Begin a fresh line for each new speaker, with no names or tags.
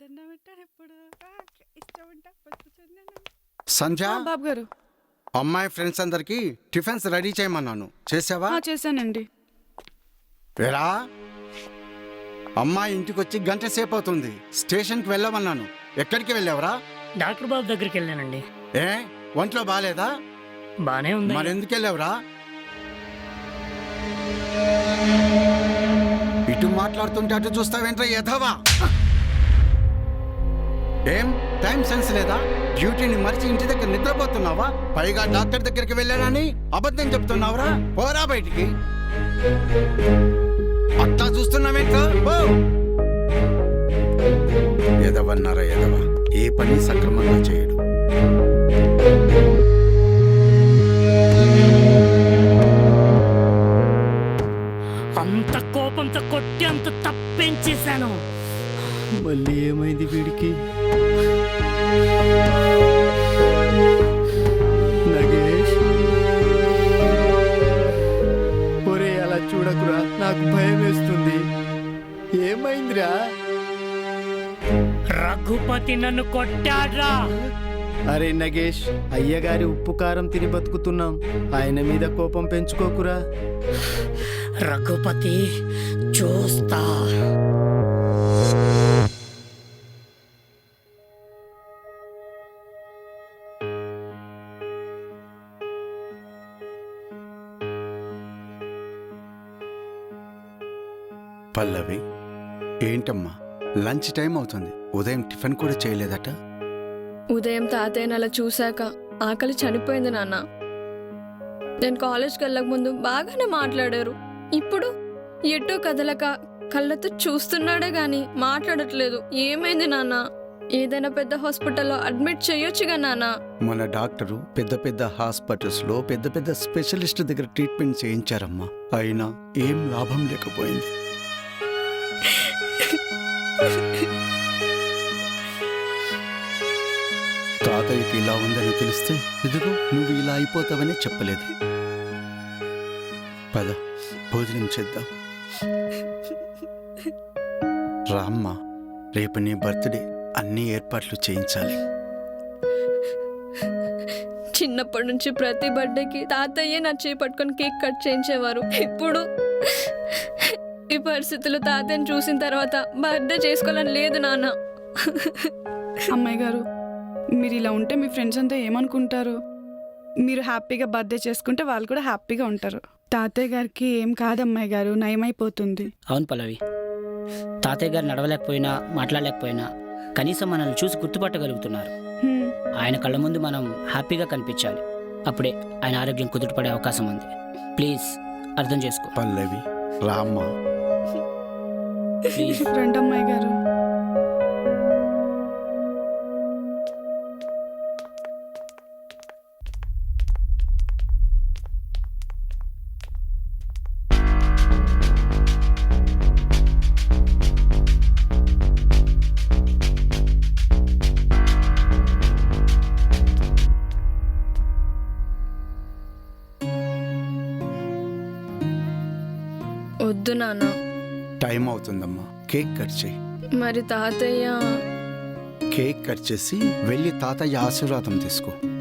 సంధ్య,
బాబు గారు,
అమ్మాయి ఫ్రెండ్స్ అందరికి టిఫిన్స్ రెడీ చేయమన్నాను, చేసావా?
చేశానండి.
వేరా, అమ్మాయి ఇంటికి వచ్చి గంట సేపు అవుతుంది. స్టేషన్కి వెళ్ళమన్నాను, ఎక్కడికి వెళ్ళావరా?
డాక్టర్ బాబు దగ్గరికి వెళ్ళానండి.
ఏ ఒంట్లో బాగాలేదా?
బానే ఉంది.
మరెందుకు వెళ్ళావురా? ఇటు మాట్లాడుతుంటే అటు చూస్తావేంట్రా ఎధవా? ఏం టైం సెన్స్ లేదా? డ్యూటీని మరిచి ఇంటి దగ్గర నిద్రపోతున్నావా? పైగా డాక్టర్ దగ్గరికి వెళ్ళానని అబద్ధం చెప్తున్నావురా? పోరా బయటికి. అట్లా చూస్తున్నావేంట్రా? ఎదవన్నారా ఎదవ, ఏ పని సక్రమంగా చేయడు.
అంత కోపంతో కొట్టి అంత తప్పేం చేశాను?
మళ్ళీ ఏమైంది వీడికి? నగేష్, ఒరే అలా చూడకురా, నాకు భయం వేస్తుంది. ఏమైందిరా?
రఘుపతి నన్ను కొట్టాడ్రా.
అరే నగేష్, అయ్యగారి ఉప్పు కారం తిని బతుకుతున్నాం, ఆయన మీద కోపం పెంచుకోకురా.
రఘుపతి చూస్తా.
పల్లవి, ఏంటమ్మా లంచ్ టైం అవుతుంది, ఉదయం టిఫిన్ కూడా చేయలేదట?
ఉదయం తాతయ్యని అలా చూశాక ఆకలి చనిపోయింది నాన్న. నేను కాలేజ్కి వెళ్ళక ముందు బాగానే మాట్లాడారు. ఇప్పుడు ఎటూ కదలక కళ్ళతో చూస్తున్నాడే గాని మాట్లాడట్లేదు. ఏమైంది నాన్న? ఏదైనా పెద్ద హాస్పిటల్లో అడ్మిట్ చేయొచ్చుగా నాన్న.
మన డాక్టరు పెద్ద పెద్ద హాస్పిటల్స్ లో పెద్ద పెద్ద స్పెషలిస్ట్ దగ్గర ట్రీట్మెంట్ చేయించారమ్మా, అయినా ఏం లాభం లేకపోయింది. తాతయ్యకి ఇలా ఉందని తెలిస్తే ఇదిగో నువ్వు ఇలా అయిపోతావని చెప్పలేదు. పద భోజనం చేద్దాం. రామ్మా, రేపు నీ బర్త్డే, అన్ని ఏర్పాట్లు చేయించాలి.
చిన్నప్పటి నుంచి ప్రతి బర్త్డేకి తాతయ్యే నా చేయి పట్టుకొని కేక్ కట్ చేయించేవారు. ఇప్పుడు ఈ పరిస్థితుల్లో తాతయ్యని చూసిన తర్వాత బర్త్డే చేసుకోవాలని లేదు నాన్న.
అమ్మాయి గారు, మీరు ఇలా ఉంటే మీ ఫ్రెండ్స్ అంతా ఏమనుకుంటారు? మీరు హ్యాపీగా బర్త్డే చేసుకుంటే వాళ్ళు కూడా హ్యాపీగా ఉంటారు. తాతయ్య గారికి ఏం కాదు అమ్మాయి గారు, నయమైపోతుంది.
అవును పల్లవి, తాతయ్య గారు నడవలేకపోయినా మాట్లాడలేకపోయినా కనీసం మనల్ని చూసి గుర్తుపట్టగలుగుతున్నారు. ఆయన కళ్ళ ముందు మనం హ్యాపీగా కనిపించాలి, అప్పుడే ఆయన ఆరోగ్యం కుదుటపడే అవకాశం ఉంది. ప్లీజ్ అర్థం చేసుకో.
పల్లవి, రామ్మా.
ప్లీజ్
రండి అమ్మాయి గారు.
వద్దు నాన్న.
టైం అవుతుందమ్మా, కేక్ కట్ చేయి.
మరి తాతయ్య?
కేక్ కట్ చేసి వెళ్ళి తాతయ్య ఆశీర్వాదం తీసుకో.